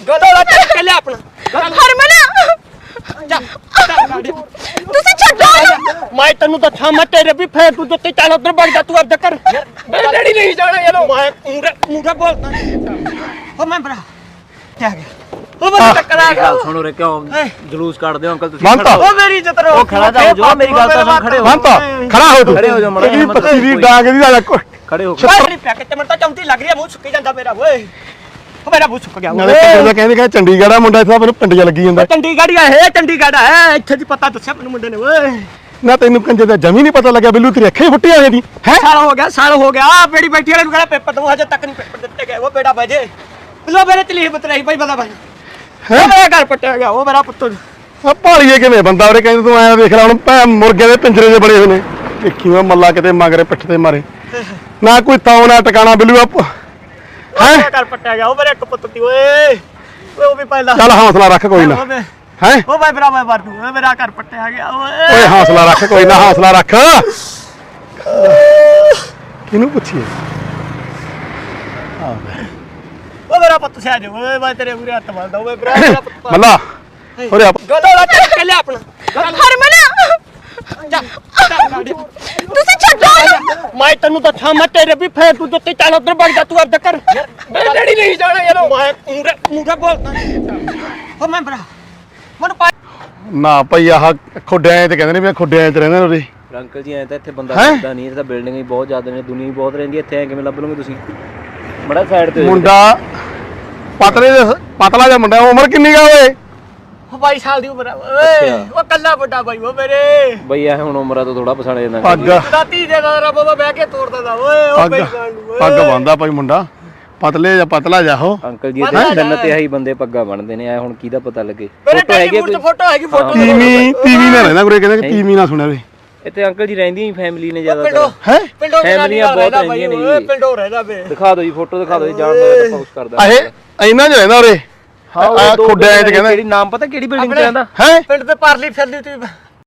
ਗਲੋਲਾ ਚੱਕ ਲਿਆ ਆਪਣਾ ਹਰਮਨ ਤੁਸੀਂ ਛੱਡੋ ਮੈਂ ਤੈਨੂੰ ਦੱਸਾਂ ਮੈਂ ਤੇਰੇ ਵੀ ਫੇਰ ਤੂੰ ਜੁੱਤੀ ਚੱਲ ਉਧਰ ਵਗ ਜਾ ਤੂੰ ਆਪਦਾ ਕਰ ਡੈਡੀ ਨਹੀਂ ਜਾਣਾ ਯਾਰ ਮੈਂ ਮੂੰਡਾ ਬੋਲਦਾ ਹੋ ਮੈਂ ਭਰਾ ਕੀ ਗਿਆ ਉਹ ਬੰਦਾ ਟੱਕਰ ਆ ਗਿਆ ਸੁਣੋ ਰੇ ਕਿਉਂ ਜਲੂਸ ਕੱਢਦੇ ਹੋ ਅੰਕਲ ਤੁਸੀਂ ਉਹ ਮੇਰੀ ਇੱਜ਼ਤ ਰੋ ਉਹ ਖੜਾ ਜਾ ਜੋ ਮੇਰੀ ਗੱਲ ਤਾਂ ਸੁਣ ਖੜੇ ਹੋ ਖੜਾ ਹੋ ਤੂੰ ਖੜੇ ਹੋ ਜਾ ਮੜਾ ਤੇਰੀ ਪੱਤੀ ਦੀ ਡਾਂਗ ਦੀ ਦਾ ਖੜੇ ਹੋ ਛੱਤਰੀ ਪਿਆ ਕਿਤੇ ਮੈਨੂੰ ਤਾਂ ਚੌਂਤੀ ਲੱਗ ਰਹੀ ਆ ਮੂੰਹ ਸੁੱਕੀ ਜਾਂਦਾ ਮੇਰਾ ਓਏ ਉਹ ਮੇਰਾ ਮੂੰਹ ਸੁੱਕ ਗਿਆ ਨਾਲੇ ਪਿੰਡ ਦਾ ਕਹਿੰਦੇ ਚੰਡੀਗੜ੍ਹ ਆ ਮੁੰਡਾ ਇੱਥੇ ਮੈਨੂੰ ਪਿੰਡੀਆਂ ਲੱਗੀ ਜਾਂਦਾ ਚੰਡੀਗੜ੍ਹ ਹੈ ਚੰਡੀਗੜ੍ਹ ਹੈ ਇੱਥੇ ਦੀ ਪਤਾ ਦੱਸਿਆ ਮੈਨੂੰ ਮੁੰਡੇ ਨੇ ਓਏ ਨਾ ਤੈਨੂੰ ਕੰਜੇ ਦਾ ਜਮੀ ਨਹੀਂ ਪਤਾ ਲੱਗਿਆ ਬਿੱਲੂ ਤੇਰੀ ਅੱਖਾਂ ਹੀ ਫੁੱਟੀਆਂ ਹੋਈਆਂ ਦੀ ਹੈ ਸਾਲ ਹੋ ਗਿਆ ਬੇੜੀ ਬੈਠੀ ਵਾਲੇ ਨੂੰ ਕਹਿੰਦਾ ਪੇਪਰ ਦਊ ਹਜੇ ਤੱਕ ਨਹੀਂ ਪੇਪਰ ਦਿੱਤੇ ਗਏ ਉਹ ਬੇੜਾ ਵਜੇ ਲੋ ਮੇਰੇ ਤਲੀਹ ਬਤ ਰਹੀ ਭਾਈ ਬਤਾ ਭਾਈ ਉਹ ਮੇਰਾ ਘਰ ਪੱਟਿਆ ਗਿਆ ਉਹ ਮੇਰਾ ਪੁੱਤ ਆ ਭਾਲੀਏ ਕਿਵੇਂ ਬੰਦਾ ਉਹਰੇ ਕਹਿੰਦੇ ਤੂੰ ਐਂ ਦੇਖ ਲੈ ਹੁਣ ਭੈ ਮੁਰਗੇ ਦੇ ਪਿੰਜਰੇ ਦੇ ਬੜੇ ਹੋਏ ਨੇ ਦੇਖੀ ਮੈਂ ਮੱਲਾ ਕਿਤੇ ਮਗਰੇ ਪਿੱਠ ਤੇ ਮਾਰੇ ਨਾ ਕੋਈ ਤਾਉ ਨਾ ਟਿਕਾਣਾ ਬਿੱਲੂ ਆ ਹੈ ਘਰ ਪੱਟਿਆ ਗਿਆ ਉਹ ਮੇਰੇ ਇੱਕ ਪੁੱਤ ਤੀ ਓਏ ਉਹ ਵੀ ਪਹਿਲਾਂ ਚੱਲ ਹੌਸਲਾ ਰੱਖ ਕੋਈ ਨਾ ਹੈ ਉਹ ਭਾਈ ਭਰਾ ਮੈਂ ਮਰ ਦੂੰ ਮੇਰਾ ਘਰ ਪੱਟਿਆ ਗਿਆ ਓਏ ਹੌਸਲਾ ਰੱਖ ਕੋਈ ਨਾ ਹੌਸਲਾ ਰੱਖ ਕਿਹਨੂੰ ਪੁੱਛੀਏ ਉਹ ਮੇਰਾ ਪੁੱਤ ਸਿਆ ਜੋ ਓਏ ਮੈਂ ਤੇਰੇ ਮੂਰੇ ਹੱਥ ਮਾਰਦਾ ਓਏ ਭਰਾ ਮੇਰਾ ਪੁੱਤ ਮੱਲਾ ਹੋਰੇ ਗਲੋਲਾ ਚੱਕ ਲਿਆ ਆਪਣਾ ਹਰਮਨ ਤੁਸੀਂ ਛੱਡੋ ਮੈਂ ਤੈਨੂੰ ਦੱਸਾਂ ਮੈਂ ਤੇਰੇ ਵੀ ਫੇਰ ਤੂੰ ਜੁੱਤੀ ਚੱਲ ਉਧਰ ਵਗ ਜਾ ਤੂੰ ਆਪਦਾ ਕਰ ਡੈਡੀ ਨਹੀਂ ਜਾਣਾ ਯਾਰ ਮੈਂ ਮੂੰਡਾ ਬੋਲਦਾ ਉਹ ਮੈਂ ਭਰਾ ਮੈਨੂੰ ਨਾ ਭਈ ਆਹ ਖੁੱਡਿਆਂ ਤੇ ਕਹਿੰਦੇ ਨੇ ਵੀ ਖੁੱਡਿਆਂ ਚ ਰਹਿੰਦੇ ਨੇ ਉਰੇ ਅੰਕਲ ਜੀ ਐ ਤਾਂ ਇੱਥੇ ਬੰਦਾ ਰਹਿੰਦਾ ਨਹੀਂ, ਇਹ ਤਾਂ ਬਿਲਡਿੰਗ ਹੀ ਬਹੁਤ ਜ਼ਿਆਦਾ ਨੇ, ਦੁਨੀਆ ਹੀ ਬਹੁਤ ਰਹਿੰਦੀ ਇੱਥੇ, ਐ ਕਿਵੇਂ ਲੱਭ ਲਓਗੇ ਤੁਸੀਂ? ਬੜਾ ਸਾਈਡ ਤੇ ਮੁੰਡਾ ਪਤਲਾ ਜਿਹਾ ਮੁੰਡਾ, ਉਮਰ ਕਿੰਨੀ ਗਾ ਓਏ? 22 ਸਾਲ ਦੀ ਉਮਰ ਓਏ ਉਹ ਕੱਲਾ ਵੱਡਾ ਬਾਈ ਉਹ ਮੇਰੇ ਬਈ ਇਹ ਹੁਣ ਉਮਰਾਂ ਤੋਂ ਥੋੜਾ ਪਛਾਣਿਆ ਜਾਂਦਾ ਪੱਗ ਦਾਤੀ ਦੇ ਦਾ ਬਾਬਾ ਬਹਿ ਕੇ ਤੋੜਦਾ ਦਾ ਓਏ ਉਹ ਬਈ ਪੱਗ ਬੰਦਾ ਭਾਈ ਮੁੰਡਾ ਪਤਲਾ ਜਾ ਹੋ ਅੰਕਲ ਜੀ ਦੇ ਤਿੰਨ ਤੇ ਆਹੀ ਬੰਦੇ ਪੱਗਾਂ ਬਣਦੇ ਨੇ, ਐ ਹੁਣ ਕਿਹਦਾ ਪਤਾ ਲੱਗੇ? ਫੋਟੋ ਹੈਗੀ ਫੋਟੋ ਤੀਵੀਂ ਨਾ ਰਹਿੰਦਾ ਗੁਰੇ ਕਹਿੰਦੇ ਤੀਵੀਂ ਨਾ ਸੁਣਿਆ ਵੇ ਇੱਥੇ ਅੰਕਲ ਜੀ ਰਹਿੰਦੀਆਂ ਹੀ ਫੈਮਿਲੀ ਨੇ ਜ਼ਿਆਦਾਤਰ, ਹੈ ਪਿੰਡੋਂ ਫੈਮਲੀਆਂ ਬਹੁਤ ਰਹਿੰਦੀਆਂ ਨੇ ਜੀ, ਪਿੰਡੋਂ ਰਹਿਦਾ ਵੇ ਦਿਖਾ ਦਿਓ ਜੀ ਫੋਟੋ ਦਿਖਾ ਦਿਓ ਜੀ, ਜਾਣ ਦਾ ਪੋਸਟ ਕਰਦਾ ਇਹ ਇਹਨਾਂ ਚ ਰਹਿੰਦਾ ਉਰੇ ਹਾਂ ਖੁੱਡਿਆਂ ਚ ਕਹਿੰਦਾ ਕਿਹੜੀ ਨਾਮ ਪਤਾ ਕਿਹੜੀ ਬਿਲਡਿੰਗ ਚ ਰਹਿੰਦਾ ਹੈ ਪਿੰਡ ਤੇ ਪਰਲੀ ਫਿਰਦੀ ਤੀ